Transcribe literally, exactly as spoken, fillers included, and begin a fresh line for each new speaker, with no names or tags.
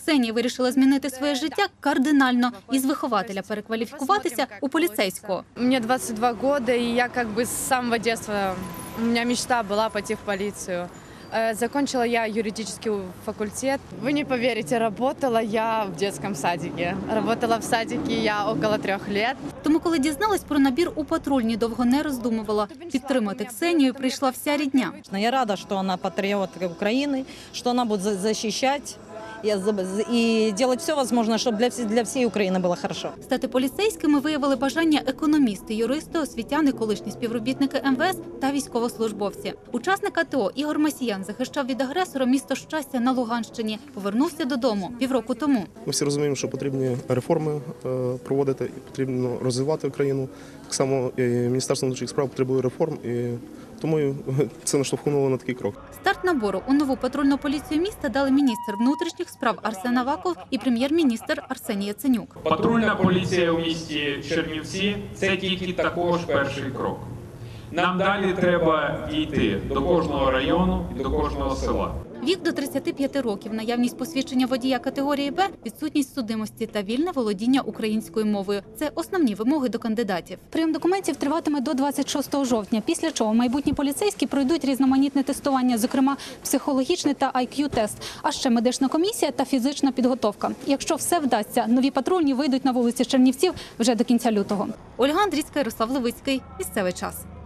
Ксенія вирішила змінити своє життя кардинально і з вихователя перекваліфікуватися у поліцейського.
Мне двадцать два года, и я как бы с самого детства, у меня мечта была пойти в полицию. Э, Закончила я юридический факультет. Вы не поверите, работала я в детском садике. Работала в садике я около трех лет.
Тому, коли дізналась про набір у патрульні, довго не роздумувала. Підтримати Ксенію прийшла вся рідня.
Я рада, что она патриот Украины, что она будет за- защищать и за- и делать все возможное, чтобы для, всей- для всей Украины было хорошо.
Стати поліцейськими виявили бажання економісти, юристи, освітяни, колишні співробітники ем ве ес та військовослужбовці. Учасник а те о Ігор Масіян захищав від агресора місто Щастя на Луганщині. Повернувся додому півроку тому.
Ми всі розуміємо, що потрібні реформи е, проводити, і потрібно розвивати країну. Так само і Міністерство внутрішніх справ потребує реформ, і тому і це наштовхнуло на такий крок.
Старт набору у нову патрульну поліцію міста дали міністр внутрішніх справ Арсен Аваков і прем'єр-міністр Арсеній Яценюк.
Патрульна поліція у місті Чернівці – це тільки також перший крок. Нам далі треба дійти до кожного району і до кожного села.
Вік до тридцяти п'яти років, наявність посвідчення водія категорії Б, відсутність судимості та вільне володіння українською мовою – це основні вимоги до кандидатів. Прийом документів триватиме до двадцять шостого жовтня, після чого майбутні поліцейські пройдуть різноманітне тестування, зокрема психологічний та ай к'ю-тест, а ще медична комісія та фізична підготовка. Якщо все вдасться, нові патрульні вийдуть на вулиці Чернівців вже до кінця лютого. Ольга Андрійська, Ярослав Левицький. Місцевий час.